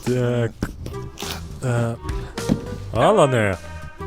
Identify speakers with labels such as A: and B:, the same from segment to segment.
A: Так. Алане!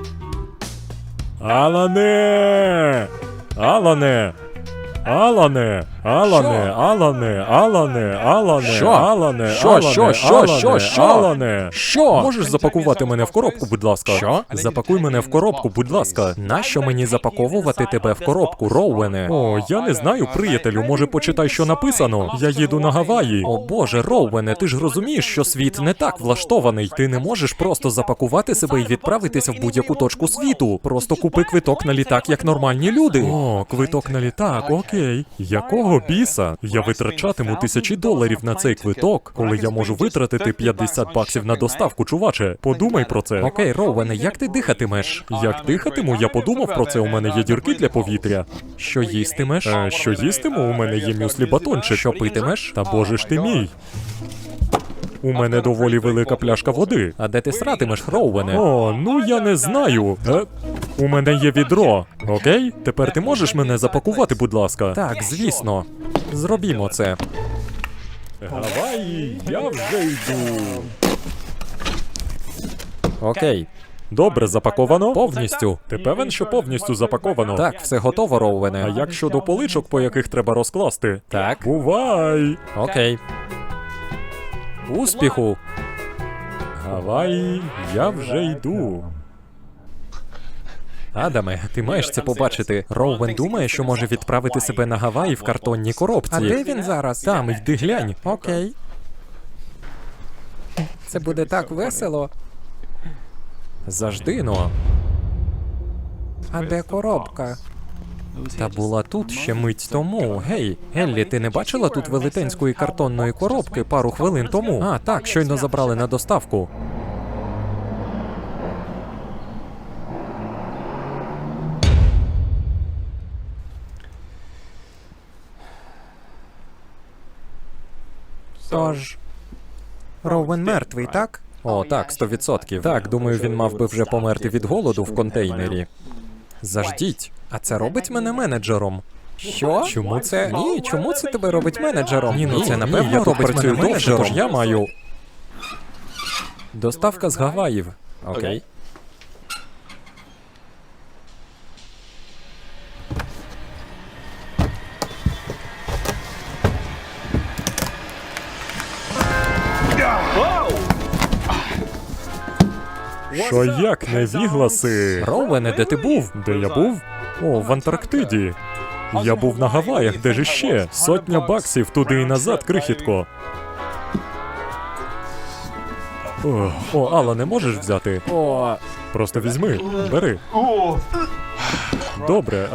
A: Алане! Алане! Алане! Алане! Алане! Алане! Алане!
B: Що?
A: Алане!
B: Що?
A: Алане!
B: Що?
A: Алане!
B: Що?
A: Алане!
B: Що?
A: Можеш запакувати мене в коробку, будь ласка?
B: Що?
A: Запакуй мене в коробку, будь ласка.
B: Нащо мені запаковувати тебе в коробку, Роуене?
A: О, я не знаю, приятелю, може почитай, що написано. Я їду на Гаваї.
B: О боже, Роуене, ти ж розумієш, що світ не так влаштований. Ти не можеш просто запакувати себе і відправитися в будь-яку точку світу. Просто купи квиток на літак, як нормальні люди.
A: О, квиток на літак, окей. Якого біса? Я витрачатиму $1000 на цей квиток, коли я можу витратити $50 на доставку, чуваче. Подумай про це.
B: Окей, Роуене, як ти дихатимеш?
A: Як дихатиму, я подумав про це, у мене є дірки для повітря.
B: Що їстимеш?
A: Що їстиму, у мене є мюслі-батончик.
B: Що питимеш?
A: Та боже ж ти мій. У мене доволі велика пляшка води.
B: А де ти сратимеш, Роуене?
A: О, ну я не знаю. У мене є відро. Окей? Тепер ти можеш мене запакувати, будь ласка?
B: Так, звісно. Зробімо це.
A: Гаваї, я вже йду.
B: Окей.
A: Добре, запаковано?
B: Повністю.
A: Ти певен, що повністю запаковано?
B: Так, все готово, Роуене.
A: А як щодо поличок, по яких треба розкласти?
B: Так.
A: Бувай!
B: Окей. Успіху!
A: Гаваї, я вже йду.
B: Адаме, ти маєш це побачити. Роуен думає, що може відправити себе на Гаваї в картонній коробці.
C: А де він зараз?
B: Там, йди глянь.
C: Окей. Це буде так весело.
B: Завжди, но.
C: А де коробка?
B: Та була тут ще мить тому. Гей, Еллі, ти не бачила тут велетенської картонної коробки пару хвилин тому? А, так, щойно забрали на доставку.
C: Тож. Роуен мертвий, так?
B: О, так, 100%. Так, думаю, він мав би вже померти від голоду в контейнері. Заждіть, а це робить мене менеджером.
C: Що?
B: Чому це?
C: Ні, чому це тебе робить менеджером?
B: Ні, ну це
A: Ні,
B: напевно
A: я тут
B: робить
A: працюю
B: мене
A: довше,
B: менеджером.
A: тож я маю.
B: Доставка з Гаваїв. Окей.
A: Що як не вігласи?
B: Роуене, де ти був?
A: Де я був? О, в Антарктиді. Я був на Гаваях, де ж іще? $100 туди і назад, крихітко. О, Алла, не можеш взяти?
B: О,
A: Просто візьми, бери. Добре,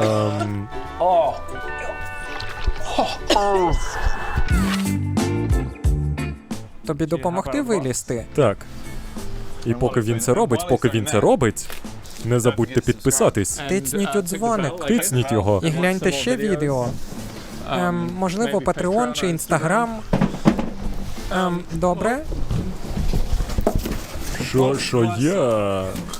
C: Тобі допомогти вилізти?
A: так. І поки він це робить, не забудьте підписатись.
C: Тицніть у дзвоник.
A: Тицніть його.
C: І гляньте ще відео. Можливо, Patreon чи Instagram. Добре?
A: Що я?